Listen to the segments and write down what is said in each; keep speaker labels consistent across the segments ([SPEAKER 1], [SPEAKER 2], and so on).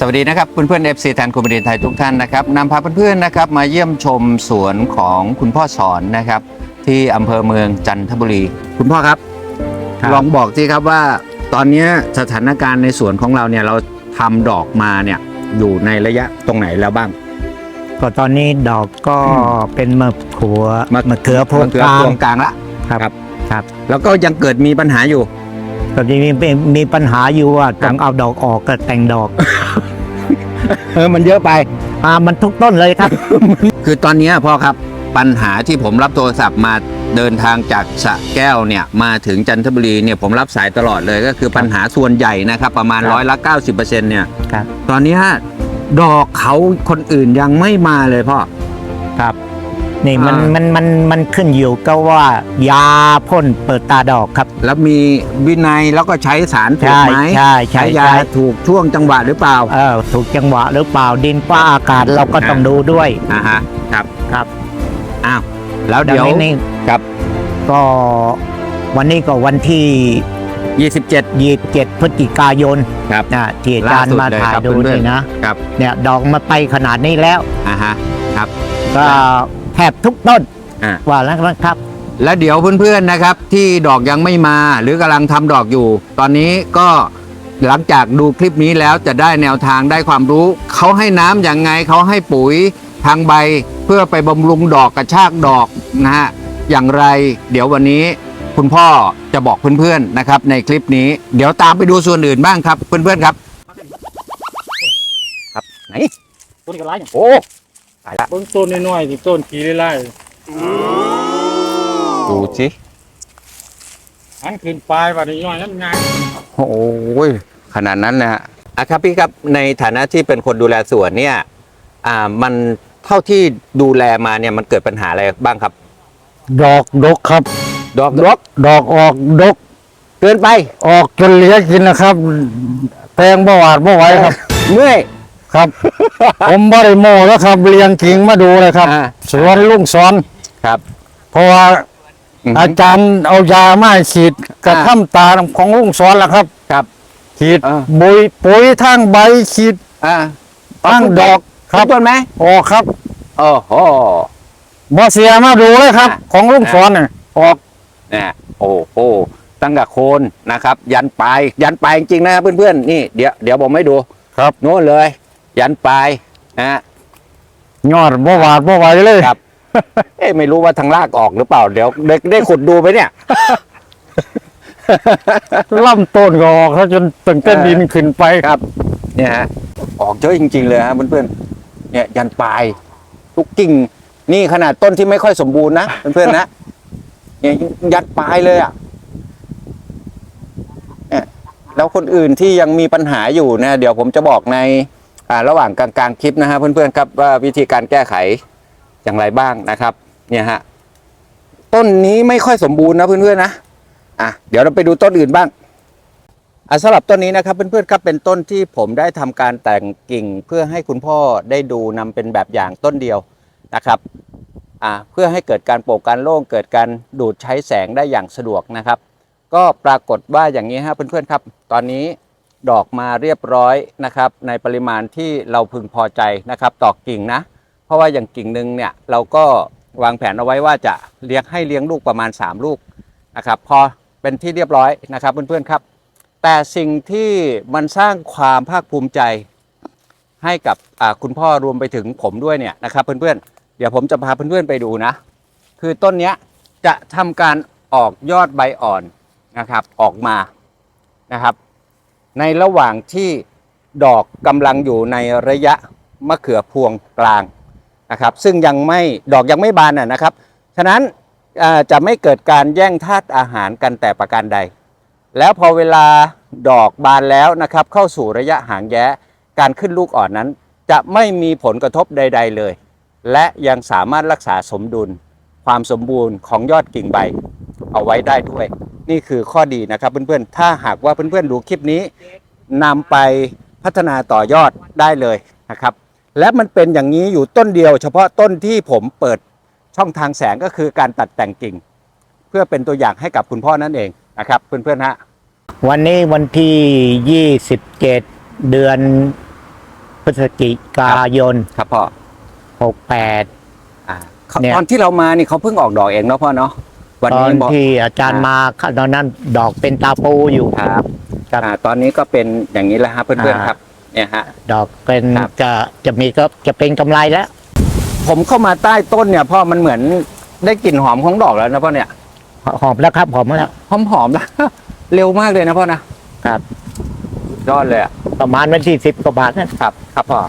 [SPEAKER 1] วัสดีนะครับเพื่อนๆ FC แทนคุณบดินทร์ไทยทุกท่านนะครับนำพาเพื่อนๆนะครับมาเยี่ยมชมสวนของคุณพ่อสอนนะครับที่อำเภอเมืองจันทบุรีคุณพ่อครับลองบอกสิครับว่าตอนนี้สถานการณ์ในสวนของเราเนี่ยเราทำดอกมาเนี่ยอยู่ในระยะตรงไหนแล้วบ้าง
[SPEAKER 2] ก็ตอนนี้ดอกก็เป็นมะเขือพวง
[SPEAKER 1] กลางละ
[SPEAKER 2] ครับ
[SPEAKER 1] แล้วก็ยังเกิดมีปัญหาอยู่
[SPEAKER 2] ตอนนี้มีปัญหาอยู่ว่าต้องเอาดอกออกก็แต่งดอก
[SPEAKER 1] มันเยอะไป
[SPEAKER 2] มันทุกต้นเลยครับ
[SPEAKER 1] คือตอนนี้พ่อครับปัญหาที่ผมรับโทรศัพท์มาเดินทางจากสระแก้วเนี่ยมาถึงจันทบุรีเนี่ยผมรับสายตลอดเลยก็คือปัญหาส่วนใหญ่นะครับประมาณ90%เนี่ยตอนนี้ดอกเขาคนอื่นยังไม่มาเลยพ่อ
[SPEAKER 2] ครับนี่มันขึ้นอยู่ก็ว่ายาพ่นเปิดตาดอกครับ
[SPEAKER 1] แล้วมีวินัยแล้วก็ใช้สารถูกไหม
[SPEAKER 2] ใช้
[SPEAKER 1] ยาถูกช่วงจังหวะหรือเปล่า
[SPEAKER 2] ถูกจังหวะหรือเปล่าดินฟ้าอากาศเราก็ต้องดูด้วย
[SPEAKER 1] ครับอ้าวแล้วเดี๋ยว
[SPEAKER 2] นี่
[SPEAKER 1] ครับ
[SPEAKER 2] ก็วันนี้ก็วันที่27พฤศจิกายน
[SPEAKER 1] ครับ
[SPEAKER 2] ที่อาจารย์มาถ่ายดูนี่นะครับเนี่ยดอกมาไปขนาดนี้แล้ว
[SPEAKER 1] ครับ
[SPEAKER 2] ก็แทบทุกต้นว่าแล้วครับ
[SPEAKER 1] แล้วเดี๋ยวเพื่อนๆนะครับที่ดอกยังไม่มาหรือกำลังทำดอกอยู่ตอนนี้ก็หลังจากดูคลิปนี้แล้วจะได้แนวทางได้ความรู้เขาให้น้ำอย่างไงเขาให้ปุ๋ยทางใบเพื่อไปบำรุงดอกกระชากดอกนะฮะอย่างไรเดี๋ยววันนี้คุณพ่อจะบอกเพื่อนๆนะครับในคลิปนี้เดี๋ยวตามไปดูส่วนอื่นบ้างครับเพื่อนๆครับไหน
[SPEAKER 3] ต้นกระไร
[SPEAKER 1] โอ้ตายละ
[SPEAKER 3] ต้นน้อยๆสิต้นขี้ไล่
[SPEAKER 1] ดูสิ
[SPEAKER 3] อันขึ้นปลายว่าน้อยนั่นไง
[SPEAKER 1] โอ้ยขนาดนั้นนะฮะครับพี่ครับในฐานะที่เป็นคนดูแลสวนเนี่ยมันเท่าที่ดูแลมาเนี่ยมันเกิดปัญหาอะไรบ้างครับ
[SPEAKER 2] ดอกดกครับ
[SPEAKER 1] ดอก
[SPEAKER 2] ออกดก
[SPEAKER 1] เกินไป
[SPEAKER 2] ออกจนเหลือกินนะครับแตงบ่หวาดบ่ไหวครับ
[SPEAKER 1] เมื่อย
[SPEAKER 2] ครับ ผมบริโมแล้วครับเรียงกิ่งมาดูเลยครับสวนลุงสอน
[SPEAKER 1] ครับ
[SPEAKER 2] เพราะว่าอาจารย์เอายามาฉีดกระท่ำตาของลุงสอนแล้วครับฉีดปุ๋ยทั้งใบฉีดทั้งดอก
[SPEAKER 1] ครับต้นไหม
[SPEAKER 2] ครับ
[SPEAKER 1] โอ้โห
[SPEAKER 2] บ่เสียมาดูเลยครับของลุงสอนเนี่ย
[SPEAKER 1] ออกเนี่ยโอ้โหตั้งแต่โคนนะครับยันปลายจริงๆนะครับเพื่อนๆนี่เดี๋ยวผมให้ดู
[SPEAKER 2] ครับ
[SPEAKER 1] โน้นเลยยันปลาย
[SPEAKER 2] ยอดบ่หวาดบ่ไหวเลย
[SPEAKER 1] ครับไม่รู้ว่าทางรากออกหรือเปล่าเดี๋ยวได้ขุดดูไปเนี่ย
[SPEAKER 2] ล่ำต้นก็ออกแล้วจนตึงเต้นดินขึ้นไป
[SPEAKER 1] ครับเนี่ยฮะออกเยอะจริงๆเลยฮะเพื่อนๆเนี่ยยันปลายทุกกิ่งนี่ขนาดต้นที่ไม่ค่อยสมบูรณ์นะเพื่อนๆนะเนี่ยยันปลายเลยแล้วคนอื่นที่ยังมีปัญหาอยู่นะเดี๋ยวผมจะบอกในระหว่างกลางคลิปนะฮะเพื่อนๆครับว่าวิธีการแก้ไขอย่างไรบ้างนะครับเนี่ยฮะต้นนี้ไม่ค่อยสมบูรณ์นะเพื่อนๆนะเดี๋ยวเราไปดูต้นอื่นบ้างสำหรับต้นนี้นะครับเพื่อนๆครับเป็นต้นที่ผมได้ทำการแต่งกิ่งเพื่อให้คุณพ่อได้ดูนำเป็นแบบอย่างต้นเดียวนะครับเพื่อให้เกิดการโปร่งการโล่งเกิดการดูดใช้แสงได้อย่างสะดวกนะครับก็ปรากฏว่าอย่างนี้ฮะเพื่อนๆครับตอนนี้ดอกมาเรียบร้อยนะครับในปริมาณที่เราพึงพอใจนะครับต่อกิ่งนะเพราะว่าอย่างกิ่งหนึ่งเนี่ยเราก็วางแผนเอาไว้ว่าจะเลี้ยงลูกประมาณ3ลูกนะครับพอเป็นที่เรียบร้อยนะครับเพื่อนๆครับแต่สิ่งที่มันสร้างความภาคภูมิใจให้กับคุณพ่อรวมไปถึงผมด้วยเนี่ยนะครับเพื่อนๆเดี๋ยวผมจะพาเพื่อนๆไปดูนะคือต้นนี้จะทำการออกยอดใบอ่อนนะครับออกมานะครับในระหว่างที่ดอกกำลังอยู่ในระยะมะเขือพวงกลางนะครับซึ่งดอกยังไม่บานนะครับฉะนั้นจะไม่เกิดการแย่งธาตุอาหารกันแต่ประการใดแล้วพอเวลาดอกบานแล้วนะครับเข้าสู่ระยะหางแย้การขึ้นลูกอ่อนนั้นจะไม่มีผลกระทบใดๆเลยและยังสามารถรักษาสมดุลความสมบูรณ์ของยอดกิ่งใบเอาไว้ได้ด้วยนี่คือข้อดีนะครับเพื่อนๆถ้าหากว่าเพื่อนๆดูคลิปนี้นำไปพัฒนาต่อยอดได้เลยนะครับและมันเป็นอย่างนี้อยู่ต้นเดียวเฉพาะต้นที่ผมเปิดช่องทางแสงก็คือการตัดแต่งกิ่งเพื่อเป็นตัวอย่างให้กับคุณพ่อนั่นเองนะครับเพื่อนๆฮะ
[SPEAKER 2] วันนี้วันที่27เดือน
[SPEAKER 4] พฤศจิกายน
[SPEAKER 1] ครับพ่อ
[SPEAKER 4] 68
[SPEAKER 1] อ่า
[SPEAKER 4] เนี่ย
[SPEAKER 1] ตอนที่เรามานี่เขาเพิ่งออกดอกเองเนาะพ่อเนาะวัน
[SPEAKER 4] ตอ
[SPEAKER 1] นี้
[SPEAKER 4] น
[SPEAKER 1] บอก
[SPEAKER 4] ที่อาจารย์มาตอนนั้นดอกเป็นตาปูอยู่
[SPEAKER 1] ครับ
[SPEAKER 4] ครับ
[SPEAKER 1] ตอนนี้ก็เป็นอย่างนี้แล้วฮะเพื่อนๆครับเนี่ยฮะ
[SPEAKER 4] ดอกเป็น
[SPEAKER 1] ครับ
[SPEAKER 4] จะมีก็จะเป็นกำไรแล้ว
[SPEAKER 1] ผมเข้ามาใต้ต้นเนี่ยพ่อมันเหมือนได้กลิ่นหอมของดอกแล้วนะพ่อเนี่ย
[SPEAKER 4] หอมแล้วครับหอมแล้ว
[SPEAKER 1] หอมๆแล้ว เร็วมากเลยนะพ่อนะครับ ยอดเลยอะ
[SPEAKER 4] ประมาณวันที่10 กว่าบาทนั่น
[SPEAKER 1] ครับครับพ่อ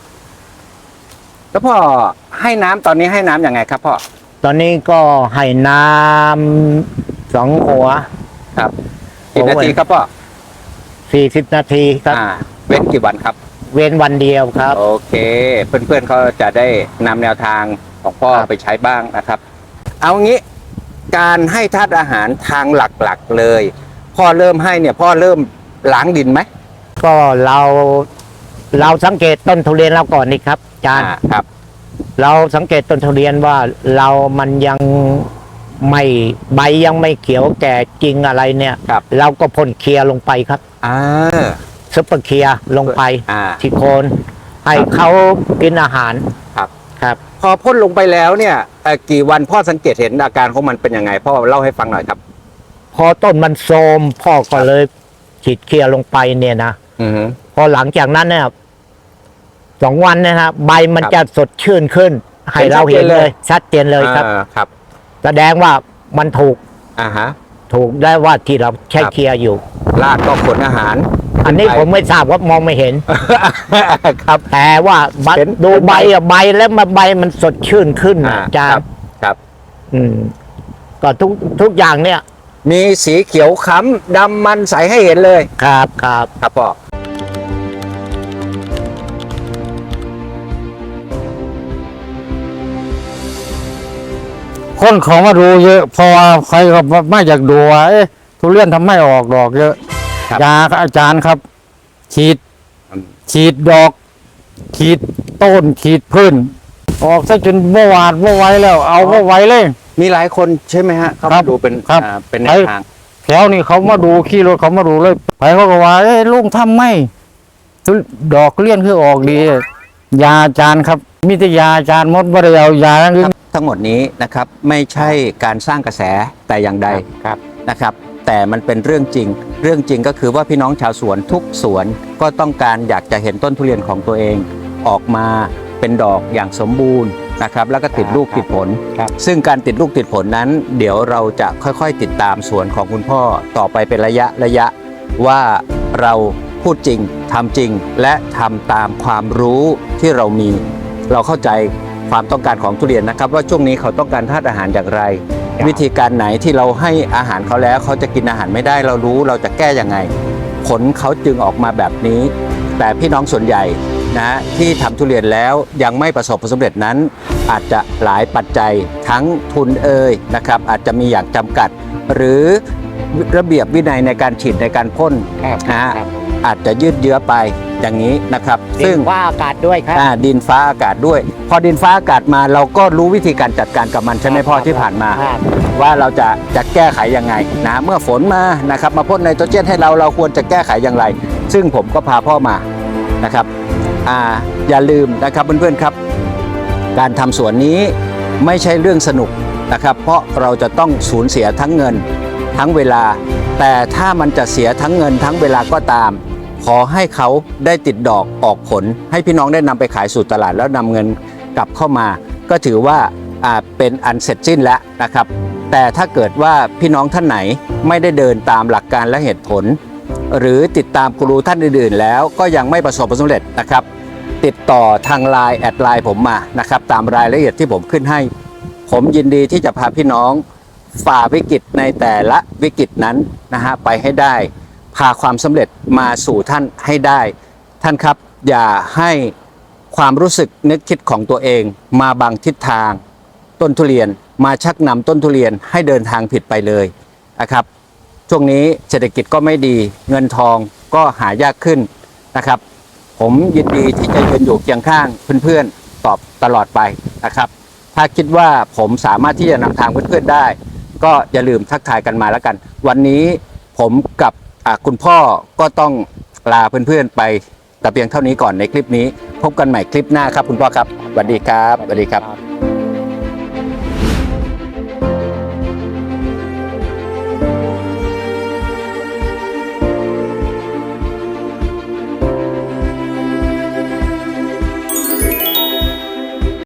[SPEAKER 1] แล้วพ่อให้น้ำตอนนี้ให้น้ำยังไงครับพ่อ
[SPEAKER 4] ตอนนี้ก็ให้น้ำ2 หัว
[SPEAKER 1] ครับกี่นาทีครับพ่อ
[SPEAKER 4] 40 นาทีครับ
[SPEAKER 1] เว้นกี่วันครับ
[SPEAKER 4] เว้นวันเดียวครับ
[SPEAKER 1] โอเค เพื่อนๆเขาจะได้นำแนวทางของพ่อ
[SPEAKER 4] ครับ
[SPEAKER 1] ไปใช้บ้างนะครับ เอางี้การให้ธาตุอาหารทางหลักๆเลย พ่อเริ่มให้เนี่ยพ่อเริ่มล้างดินไหม
[SPEAKER 4] ก็เราสังเกตต้นทุเรียนเราก่อนนี่ครับอาจารย์
[SPEAKER 1] ครับ
[SPEAKER 4] เราสังเกตต้นทุเรียนว่ามันยังไม่ใบยังไม่เขียวแก่จริงอะไรเนี่ย
[SPEAKER 1] ครับ
[SPEAKER 4] เราก็พ่นเคลียร์ลงไปครับ
[SPEAKER 1] อ่า
[SPEAKER 4] ซุปเปอร์เคลียร์ลงไป
[SPEAKER 1] อ่า
[SPEAKER 4] ที่โคนให้เขากินอาหาร
[SPEAKER 1] ครับ
[SPEAKER 4] ครับ
[SPEAKER 1] พอพ่นลงไปแล้วเนี่ยกี่วันพ่อสังเกตเห็นอาการของมันเป็นยังไงพ่อเล่าให้ฟังหน่อยครับ
[SPEAKER 4] พอต้นมันโทรมพ่อก็เลยฉีดเคลียร์ลงไปเนี่ยนะ
[SPEAKER 1] อือฮึ
[SPEAKER 4] พอหลังจากนั้นเนี่ย2 วันนะฮะใบมัน
[SPEAKER 1] ครับ
[SPEAKER 4] จะสดชื่นขึ้น ให้เราเห็นเลยชัดเจนเลยครับ
[SPEAKER 1] ครับ
[SPEAKER 4] แสดงว่ามันถูก
[SPEAKER 1] อ่าฮะ
[SPEAKER 4] ได้ว่าที่เราใช้
[SPEAKER 1] ครับ
[SPEAKER 4] เคลียร์อยู่
[SPEAKER 1] รากก็ขนอาหาร
[SPEAKER 4] อันนี้
[SPEAKER 1] ขึ้
[SPEAKER 4] ผมไม่ทราบว่ามองไม่เห็น
[SPEAKER 1] ครับ
[SPEAKER 4] แต่ว่า
[SPEAKER 1] เห็น
[SPEAKER 4] ดูใบอะใบแล้วใบมันสดชื่นขึ้นนะอาจาร
[SPEAKER 1] ครั
[SPEAKER 4] ย์
[SPEAKER 1] ครับ
[SPEAKER 4] ก็ทุกอย่างเนี่ย
[SPEAKER 1] มีสีเขียวค้ำดำมันใสให้เห็นเลย
[SPEAKER 4] ครับ
[SPEAKER 1] ครับพ่อ
[SPEAKER 2] คนเขามาดูเยอะเพราะว่าใครก็ไม่อยากดูว่าทุเรียนทำไม่ออกดอกเยอะ
[SPEAKER 1] ครับ
[SPEAKER 2] ยาครับอาจารย์ครับ ฉีด
[SPEAKER 1] อืม
[SPEAKER 2] ฉีดดอก ฉีดต้นฉีดพื้นออกซะจนเมื่อวานเมื่อไหวแล้ว เอาเมื่อไหวเลย
[SPEAKER 1] มีหลายคนใช่ไหมฮะเขา
[SPEAKER 2] ครั
[SPEAKER 1] มา
[SPEAKER 2] บ
[SPEAKER 1] ดูเป็น
[SPEAKER 2] ครับ
[SPEAKER 1] เป็นแนวทาง
[SPEAKER 2] แถวนี้เขามาดูขี่รถเขามาดูเลยไปเขาก็ว่าลุงทำไม่ดอกเลี้ยนคือออกดี ยาอาจารย์ครับมีแต่ยาอาจารย์หมดไม่ได้เอายาอย่างอื่น
[SPEAKER 1] ทั้งหมดนี้นะครับไม่ใช่การสร้างกระแสแต่อย่างใดนะครับ แต่มันเป็นเรื่องจริง เรื่องจริงก็คือว่าพี่น้องชาวสวนทุกสวนก็ต้องการอยากจะเห็นต้นทุเรียนของตัวเอง ออกมาเป็นดอกอย่างสมบูรณ์นะครับ แล้วก็ติดลูกติดผล
[SPEAKER 4] ครับ
[SPEAKER 1] ซึ่งการติดลูกติดผลนั้น เดี๋ยวเราจะค่อยๆ ติดตามสวนของคุณพ่อต่อไปเป็นระยะว่าเราพูดจริงทำจริง และทำตามความรู้ที่เรามี เราเข้าใจความต้องการของทุเรียนนะครับ ว่าช่วงนี้เขาต้องการธาตุอาหารอย่างไร วิธีการไหนที่เราให้อาหารเขาแล้วเขาจะกินอาหารไม่ได้เรารู้เราจะแก้ยังไง ผลเขาจึงออกมาแบบนี้ แต่พี่น้องส่วนใหญ่นะที่ทำทุเรียนแล้วยังไม่ประสบผลสำเร็จนั้น อาจจะหลายปัจจัยทั้งทุนนะครับ อาจจะมีอย่างจำกัด หรือระเบียบวินัยในการฉีดในการพ่นนะฮะอาจจะยืดเยื้อไปอย่างนี้นะครับ
[SPEAKER 4] ซึ่งว่าอากาศด้วยครับ
[SPEAKER 1] ดินฟ้าอากาศด้วย พอดินฟ้าอากาศมาเราก็รู้วิธีการจัดการกับมันใช่ไหมพ่อที่ผ่านมา
[SPEAKER 4] ครับ
[SPEAKER 1] ว่าเราจะแก้ไขยังไงนะเมื่อฝนมานะครับมาพ่นไนโตรเจนให้เราควรจะแก้ไขอย่างไร ซึ่งผมก็พาพ่อมานะครับอย่าลืมนะครับเพื่อนๆครับ การทำสวนนี้ไม่ใช่เรื่องสนุกนะครับ เพราะเราจะต้องสูญเสียทั้งเงินทั้งเวลา แต่ถ้ามันจะเสียทั้งเงินทั้งเวลาก็ตาม ขอให้เขาได้ติดดอกออกผล ให้พี่น้องได้นำไปขายสู่ตลาดแล้วนำเงินกลับเข้ามา ก็ถือว่าเป็นอันเสร็จสิ้นแล้วนะครับ แต่ถ้าเกิดว่าพี่น้องท่านไหนไม่ได้เดินตามหลักการและเหตุผล หรือติดตามกูรูท่านอื่นๆแล้วก็ยังไม่ประสบผลสำเร็จนะครับ ติดต่อทางไลน์แอดไลน์ผมมานะครับตามรายละเอียดที่ผมขึ้นให้ ผมยินดีที่จะพาพี่น้องฝ่าวิกฤตในแต่ละวิกฤตนั้นนะฮะไปให้ได้ พาความสำเร็จมาสู่ท่านให้ได้ ท่านครับอย่าให้ความรู้สึกนึกคิดของตัวเองมาบังทิศทางต้นทุเรียนมาชักนำต้นทุเรียนให้เดินทางผิดไปเลยนะครับช่วงนี้เศรษฐกิจก็ไม่ดีเงินทองก็หายากขึ้นนะครับ ผมยินดีที่จะยืนอยู่เคียงข้างเพื่อนๆตอบตลอดไปนะครับ ถ้าคิดว่าผมสามารถที่จะนำทางเพื่อนๆได้ ก็อย่าลืมทักทายกันมาแล้วกัน วันนี้ผมกับคุณพ่อก็ต้องลาเพื่อนๆไปแต่เพียงเท่านี้ก่อนในคลิปนี้ พบกันใหม่คลิปหน้าครับคุณพ่อครับสวัสดีครับสวัสดีครับ